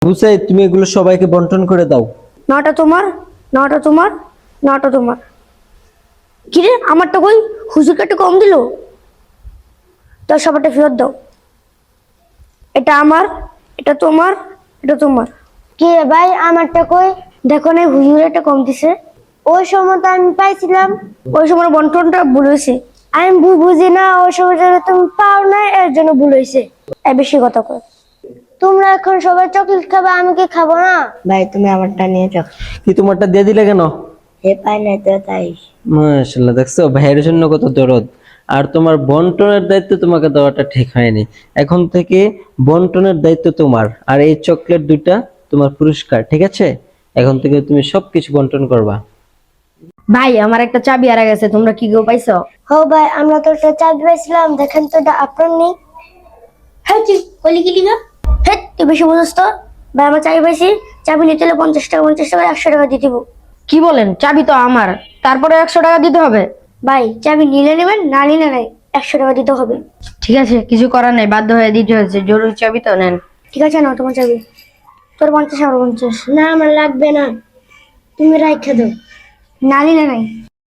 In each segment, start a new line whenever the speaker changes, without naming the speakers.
বুঝাই, তুমি এগুলো সবাইকে বন্টন করে দাও।
নটা তোমার, নটা তোমার, নটা তোমার। কিরে আমারটা কই? হুজুরকে একটু কম দিল। তো সবারটা ফেরত দাও। এটা আমার, এটা তোমার, এটা তোমার।
কি রে ভাই, আমারটা কই?
দেখো না হুজুর একটা কম দিছে।
ওই সময় তো আমি পাইছিলাম।
ওই সময় বন্টনটা ভুল হয়েছে।
আমি বুঝি না, ওই সময় যদি তুমি পাও না এর জন্য ভুল হয়েছে।
বেশি কথা কয়।
তোমরা এখন সবাই চকলেট খাবে, আমি কি খাবো না?
ভাই তুমি আমারটা নিয়ে যাও।
কি তোমারটা দিয়ে দিলে কেন?
হে পাই নাই তো তাই।
মাশাআল্লাহ, দেখছো ভাইয়ের জন্য কত দরদ। আর তোমার বন্টনের দায়িত্ব তোমাকে দেওয়াটা ঠিক হয়নি। এখন থেকে বন্টনের দায়িত্ব তোমার, আর এই চকলেট দুইটা তোমার পুরস্কার, ঠিক আছে? এখন থেকে তুমি সবকিছু বন্টন করবা।
ভাই আমার একটা চাবি হারা গেছে, তোমরা কি কেউ পাইছো?
হো ভাই, আমরা তো একটা চাবি পাইছিলাম, দেখেন তো এটা আপনার নেই।
হ্যাঁ তুই কলি গেলি না? হ্যাঁ তুই বেশি বুঝছ তো। ভাই আমার চাবি পাইছি, চাবি নিতে হলে 50 টাকা, 50 টাকা 100 টাকা দিয়ে দিব। কি বলেন? চাবি তো আমার, তারপরে 100 টাকা দিতে হবে? ভাই চাবি নিলে নেবেন, না নিলে নাই, 100 টাকা দিতে হবে। ঠিক আছে, কিছু করার নাই, বাধ্য হয়ে দিতে হয়েছে, জরুরি চাবি তো নেন। ঠিক আছে, নাও তোমার চাবি। তোর 50, আমার 50।
না আমার লাগবে না, তুমি রাইখা দাও।
না নিলে নাই।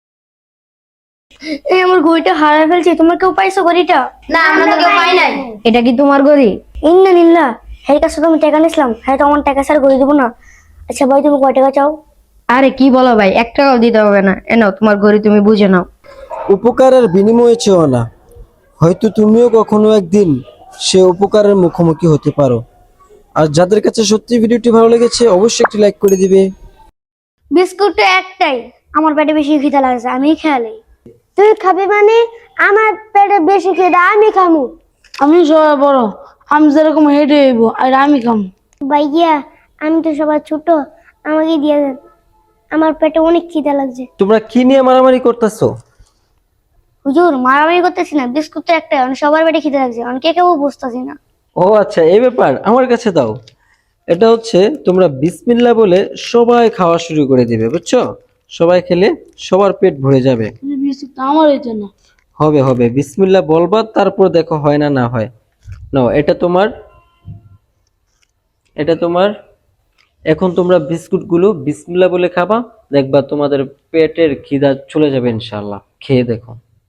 এই আমার ঘড়িটা হারাই ফেলছি, তোমার কেউ পাইছো ঘড়িটা?
না আমরা তো কেউ পাই নাই।
এটা কি তোমার ঘড়ি? ইন্না নিল্লা, হ্যাঁ কাছে তুমি টাকা নিছিলাম, হ্যাঁ তো আমার টাকা স্যার ঘড়ি দেবো না। আচ্ছা ভাই তুমি কয় টাকা চাও? আরে কি বলো ভাই, 1 টাকাও দিতে হবে না, এনাও তোমার ঘড়ি, তুমি বুঝে নাও।
উপকারের বিনিময়ে চেও না, হয়তো তুমিও কখনো একদিন সে উপকারের মুখোমুখি হতে পারো। আর যাদের কাছে সত্যি ভিডিওটি ভালো লেগেছে অবশ্যই একটি লাইক করে দিবে।
বিস্কুট তো একটাই, আমার পেটে বেশি খিদা লাগছে, আমি খেয়ালি।
তুই খাবি মানে? আমার পেটে বেশি খিদা, আমি খামু।
আমি সবাই বড়, আমি যেরকম হেঁটে হইব আর আমি খাম।
ভাইয়া আমি তো সবার ছোট, আমাকে দিয়ে দেন, আমার পেটে অনেক খিদা লাগছে।
তোমরা কি নিয়ে মারামারি করতেছো?
হুজুর মারামারি করতেছি না, বিস্কুট তো একটাই, মানে সবার পেটে খিদে লাগছে, অনেকে কেউ বুঝতেছি না।
ও আচ্ছা, এই ব্যাপার, আমার কাছে দাও। এটা হচ্ছে তোমরা বিসমিল্লাহ বলে সবাই খাওয়া শুরু করে দিবে, বুঝছো? সবাই খেলে সবার পেট ভরে যাবে।
বিস্কুট আমার হইতো না।
হবে হবে, বিসমিল্লাহ বলবা, তারপর দেখো হয় না না হয়। নাও, এটা তোমার, এটা তোমার। এখন তোমরা বিস্কুটগুলো বিসমিল্লাহ বলে খাবা, দেখবা তোমাদের পেটের খিদা চলে যাবে ইনশাআল্লাহ। খেয়ে দেখো।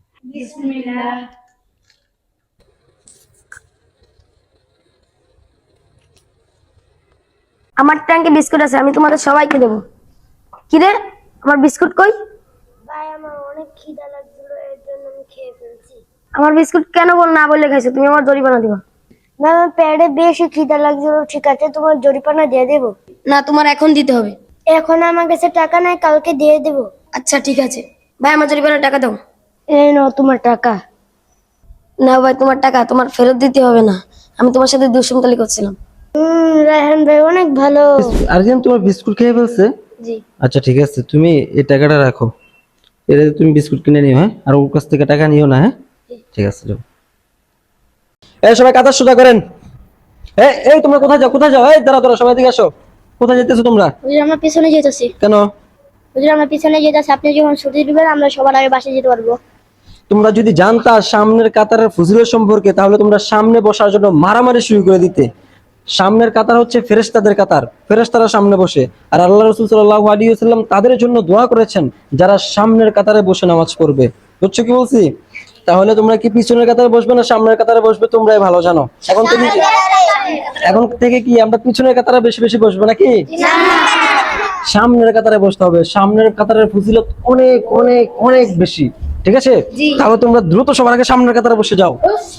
আমার ট্যাঙ্কে বিস্কুট আছে, আমি তোমাদের সবাইকে দেবো। কিরে আমার বিস্কুট কই?
ভাই আমার অনেক খিদা লাগছিল, এর জন্য আমি খেয়ে ফেলছি।
আমার বিস্কুট কেন না বলে খাইছো? তুমি আমার জরিমানা দিবা।
ভাই আমার পেটে বেশি খিদা লাগছিল, ঠিক আছে তোমার জরিপানা দিয়ে দেবো।
না তোমার এখন দিতে হবে।
এখন আমার কাছে টাকা নাই, কালকে দিয়ে দেবো।
আচ্ছা ঠিক আছে ভাই, আমার জরিমানার টাকা দাও।
এই নাও তোমার টাকা।
না ভাই তোমার টাকা তোমার ফেরত দিতে হবে না, আমি তোমার সাথে দুষ্মন্তলি করছিলাম।
রায়হান ভাই অনেক ভালো।
আর্জেন্ট তোমার বিস্কুট খেয়ে ফেলছে?
জি।
আচ্ছা ঠিক আছে, তুমি এই টাকাটা রাখো, এটা তুমি বিস্কুট কিনে নিও, হ্যাঁ? আর ওর কাছ থেকে টাকা নিও না, হ্যাঁ? ঠিক আছে, যাও। এই সবাই কাতার সোজা করেন। এই এই তোমরা কোথায় যাও, কোথায় যাও? এই দাঁড়া দাঁড়া, সবাই দিকে আসো। কোথায় যেতেছো তোমরা?
হুজুর আমরা পিছনে যেতেছি।
কেন?
হুজুর আমরা পিছনে যেতেছি, আপনি যখন ছুটি দিবেন আমরা সবার আগে বাসে যেতে পারবো।
তোমরা যদি জানতা সামনের কাতারের ফজিলত সম্পর্কে, তাহলে তোমরা সামনে বসার জন্য মারামারি শুরু করে দিতে। সামনের কাতার হচ্ছে ফেরেশতাদের কাতার, ফেরেশতারা সামনে বসে। আর আল্লাহ রাসূল সাল্লাল্লাহু আলাইহি ওয়াসাল্লাম তাদের জন্য দোয়া করেছেন যারা সামনের কাতারে বসে নামাজ পড়বে। বুঝছো কি বলছি? তাহলে তোমরা কি পিছনের কাতারে বসবে না সামনের কাতারে বসবে, তোমরাই ভালো জানো। এখন থেকে কি আমরা পিছনের কাতারে বেশি বেশি বসবো নাকি? সামনের কাতারে বসতে হবে, সামনের কাতারের ফজিলত অনেক অনেক অনেক বেশি, ঠিক আছে? তাহলে তোমরা দ্রুত সবার আগে সামনের কাতারে বসে যাও।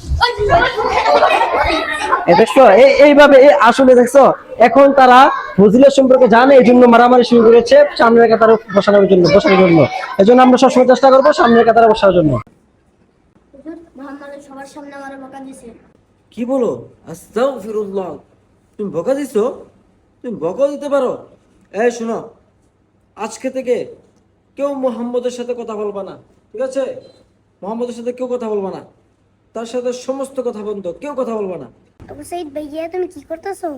দেখছো এইভাবে আসলে দেখছো, এখন তারা ফজিলত সম্পর্কে জানে, এই জন্য মারামারি শুরু করেছে সামনের কাতারে বসানোর জন্য। এই জন্য আমরা সবসময় চেষ্টা করবো সামনের কাতারে বসার জন্য।
হুজুর মোহাম্মদ সবার সামনে আমার বকা দিয়েছে।
কি বলো? আস্তাগফিরুল্লাহ, তুমি বকা দিছো? তুমি বকা দিতে পারো? এই শোনো, আজকে থেকে কেউ মোহাম্মদের সাথে কথা বলবা না, ঠিক আছে? মোহাম্মদের সাথে কেউ কথা বলবা না, তার সাথে সমস্ত কথা বন্ধ, কেউ কথা বলবা না।
আবু সাইদ ভাইয়া তুমি কি করতেছো?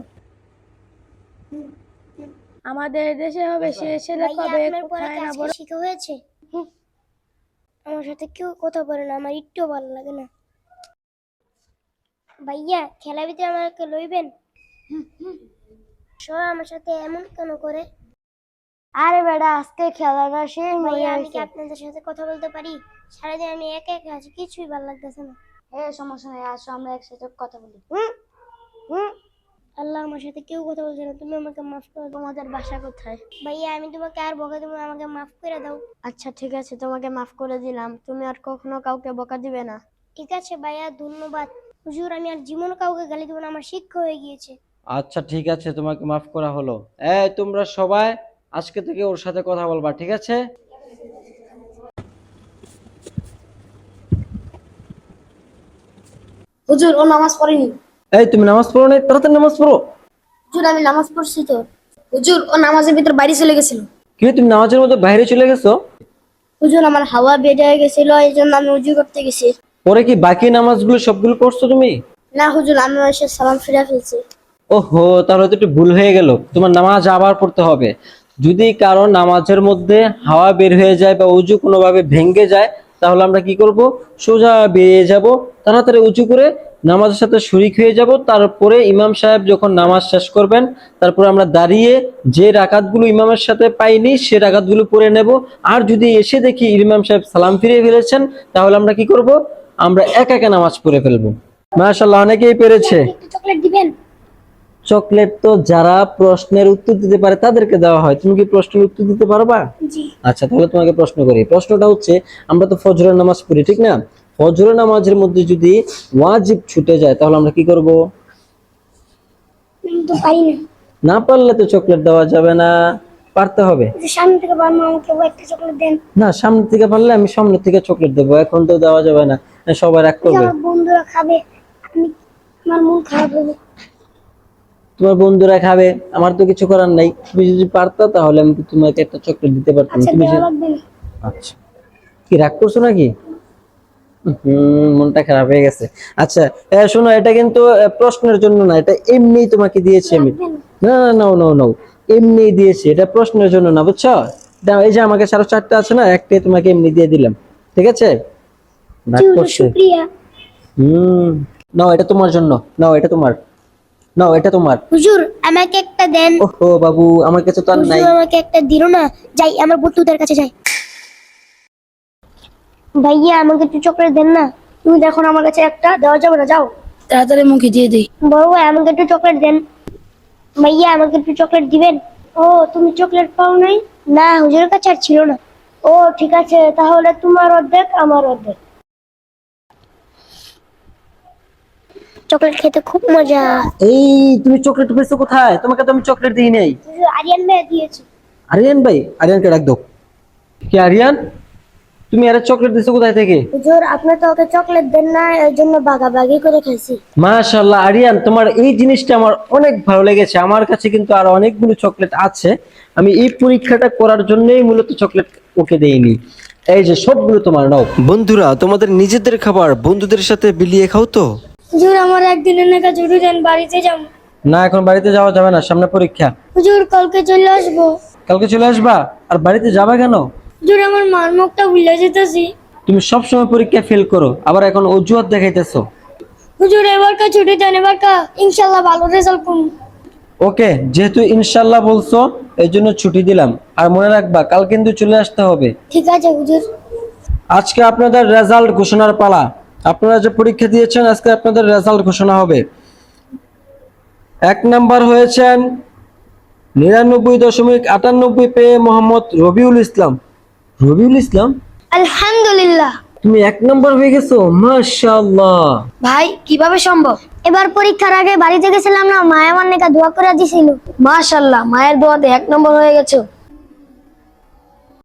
আমাদের দেশে হবে সে ছেলে কবে কোথায় না বড়।
শিখা হয়েছে। আমার সাথে কেউ কথা বলে না, আমার একটু ভালো লাগে না। ভাইয়া খেলা ভিতরে আমাকে লইবেন? সবাই আমার সাথে এমন কেন করে?
আরে বেটা, আজকে খেলাটা শেষ হয়ে
ভাইয়া আমি কি
গেছে।
আপনাদের সাথে কথা বলতে পারি? সারাদিন আমি একা একা আছি, কিছুই ভালো লাগতেছে না।
সমস্যা নেই, আসো আমরা একসাথে কথা বলি।
আল্লাহ, আমার সাথে কেউ কথা বলছে না, তুমি আমাকে মাফ করে দাও।
তোমাদের বাসা কোথায়?
ভাইয়া আমি তোমাকে আর বকা দেবো না, আমাকে মাফ করে দাও।
আচ্ছা ঠিক আছে, তোমাকে মাফ করে দিলাম, তুমি আর কখনো কাউকে বকা দিবে না।
ঠিক আছে ভাইয়া, ধন্যবাদ। হুজুর, আমি আর জীবনে কাউকে গালি দেবো না, আমার শিক্ষা হয়ে গিয়েছে।
আচ্ছা ঠিক আছে, তোমাকে মাফ করা হলো। এই তোমরা সবাই আজকে থেকে ওর সাথে কথা বলবা, ঠিক আছে?
হুজুর, ও নামাজ পড়েনি।
এই তুমি নামাজ পড়ো না? তাড়াতাড়ি নামাজ পড়ো।
হুজুর, আমি নামাজ পড়ছি তো। হুজুর, ও নামাজের ভিতর বাইরে চলে গেছিল।
কি তুমি নামাজের মধ্যে বাইরে চলে গেছো?
হুজুর, আমার হাওয়া বের হয়ে গেছিল, এই জন্য আমি উজু করতে গেছি।
পরে কি বাকি নামাজগুলো সবগুলো পড়ছো তুমি?
না হুজুর, আমি এসে সালাম ফিরে ফেলছি।
ওহো, তাহলে তো একটু ভুল হয়ে গেল, তোমার নামাজ আবার পড়তে হবে। যদি কারো নামাজের মধ্যে হাওয়া বের হয়ে যায় বা উজু কোনোভাবে ভেঙে যায়, তাহলে আমরা কি করব? সোজা বেরিয়ে যাব, তাড়াতাড়ি উঁচু করে নামাজের সাথে শরিক হয়ে যাব। তারপরে ইমাম সাহেব যখন নামাজ শেষ করবেন, তারপরে আমরা দাঁড়িয়ে যে রাকাতগুলো ইমামের সাথে পাইনি সে রাকাতগুলো পড়ে নেব। আর যদি এসে দেখি ইমাম সাহেব সালাম ফিরিয়ে ফেলেছেন, তাহলে আমরা কি করব? আমরা একা একা নামাজ পড়ে ফেলবো। মাশাআল্লাহ, অনেকেই পেরেছে।
একটু চকলেট দিবেন?
চকলেট তো যারা প্রশ্নের উত্তর দিতে পারে তাদেরকে দেওয়া হয়। তুমি কি প্রশ্নের উত্তর দিতে পারবা?
জি।
আচ্ছা, তাহলে তোমাকে প্রশ্ন করি। প্রশ্নটা হচ্ছে, আমরা তো ফজরের নামাজ পড়ি, ঠিক না? ফজরের নামাজের মধ্যে যদি ওয়াজিব ছুটে যায়, তাহলে আমরা কি করব?
আমি তো পারি না।
না পারলে তো চকলেট দেওয়া যাবে না, পারতে হবে।
যে সামনে থেকে পারবো, আমাকে একটা চকলেট দেন।
না, সামনে থেকে পারলে আমি সামনে থেকে চকলেট দেবো, এখন তো দেওয়া যাবে না, সবাই রাগ করবে।
আমার বন্ধুরা খাবে, আমি আমার মন খারাপ হবে।
তোমার বন্ধুরা খাবে, আমার তো কিছু করার নাই। তুমি যদি পারতা তাহলে আমি তোমাকে একটা চকলেট দিতে পারতাম।
আচ্ছা,
তুমি
দেওয়া লাগবে না।
আচ্ছা, কি রাগ করছো নাকি? মনটা খারাপ হয়ে গেছে। আচ্ছা, শোনো, এটা কিন্তু প্রশ্নের জন্য না, এটা এমনি তোমাকে দিয়েছি আমি। না না, নাও নাও নাও, এমনি দিয়েছি, এটা প্রশ্নের জন্য না, বুঝছো? দাও, এই যে আমার কাছে আরো 4টা আছে না, একটাই তোমাকে এমনি দিয়ে দিলাম, ঠিক আছে? রাগ করছে।
শুকরিয়া।
নাও, এটা তোমার জন্য। নাও, এটা তোমার। নাও, এটা তোমার।
হুজুর, আমাকে একটা দেন।
ওহো বাবু, আমার কাছে তো আর নাই।
হুজুর, আমাকে একটা দিল না। যাই, আমার বন্ধুদের কাছে যাই। ভাইয়া, আমাকে একটু চকলেট দেন না। তুমি দেখো না, আমার কাছে একটা দেওয়া যাবে না, যাও।
তাড়াতাড়ি মুখে দিয়ে দিই।
বড় ভাই, আমাকে একটু চকলেট দেন। ভাইয়া, আমাকে একটু চকলেট দিবেন? ও, তুমি চকলেট পাও নাই? না, হুজুরের কাছে আর ছিল না। ও ঠিক আছে, তাহলে তোমার অর্ধেক, আমার অর্ধেক। চকলেট খেতে খুব মজা।
এই তুমি চকলেট পেয়েছো কোথায়? তোমাকে তো আমি চকলেট দিই নাই।
হুজুর, আরিয়ান ভাই দিয়েছে।
আরিয়ান ভাই? আরিয়ানকে ডাক দাও। কি আরিয়ান, তুমি আরে চকলেট দিছো কোথায় থেকে?
হুজুর, আপনি তো ওকে চকলেট দেন না, এর জন্য ভাগাভাগি করে খাইছি।
মাশাআল্লাহ আরিয়ান, তোমার এই জিনিসটা আমার অনেক ভালো লেগেছে। আমার কাছে কিন্তু আরো অনেকগুলো চকলেট আছে, আমি এই পরীক্ষাটা করার জন্যই মূলত চকলেট ওকে দেইনি। এই যে সবগুলো তোমার, নাও। বন্ধুরা, তোমাদের নিজেদের খাবার বন্ধুদের সাথে বিলিয়ে খাও তো।
হুজুর, আমার একদিনের নাকা জুড়ি দেন, বাড়িতে যাবো।
না, এখন বাড়িতে যাওয়া যাবে না, সামনে পরীক্ষা।
হুজুর, কালকে চলে আসবো।
কালকে চলে আসবা? আর বাড়িতে যাবা কেন?
হুজুর, আমার মার মুখটা ভুলে যেতেছি।
তুমি সবসময় পরীক্ষা ফেল করো, আবার এখন অজুহাত দেখাইতেছো।
হুজুর, এবারকা ছুটি দেন, এবারকা ইনশাল্লাহ ভালো রেজাল্ট করব।
ওকে, যেহেতু ইনশাল্লাহ বলছো, এই জন্য ছুটি দিলাম। আর মনে রাখবা, কাল কিন্তু চলে আসতে হবে।
ঠিক আছে হুজুর।
আজকে আপনাদের রেজাল্ট ঘোষণার পালা। আপনারা যে পরীক্ষা দিয়েছেন, আজকে আপনাদের রেজাল্ট ঘোষণা হবে। 1 নাম্বার হয়েছেন 99.98 পেয়ে মোহাম্মদ রবিউল ইসলাম। রবিউল ইসলাম,
আলহামদুলিল্লাহ।
তুমি 1 নাম্বার হয়ে গেছো, মাশাআল্লাহ।
ভাই, কিভাবে সম্ভব?
এবার পরীক্ষার আগে বাড়িতে গেছিলাম না, মা আমার নাকা দোয়া করে দিছিল।
মাশাআল্লাহ, মায়ের দোয়াতে 1 নম্বর হয়ে গেছো।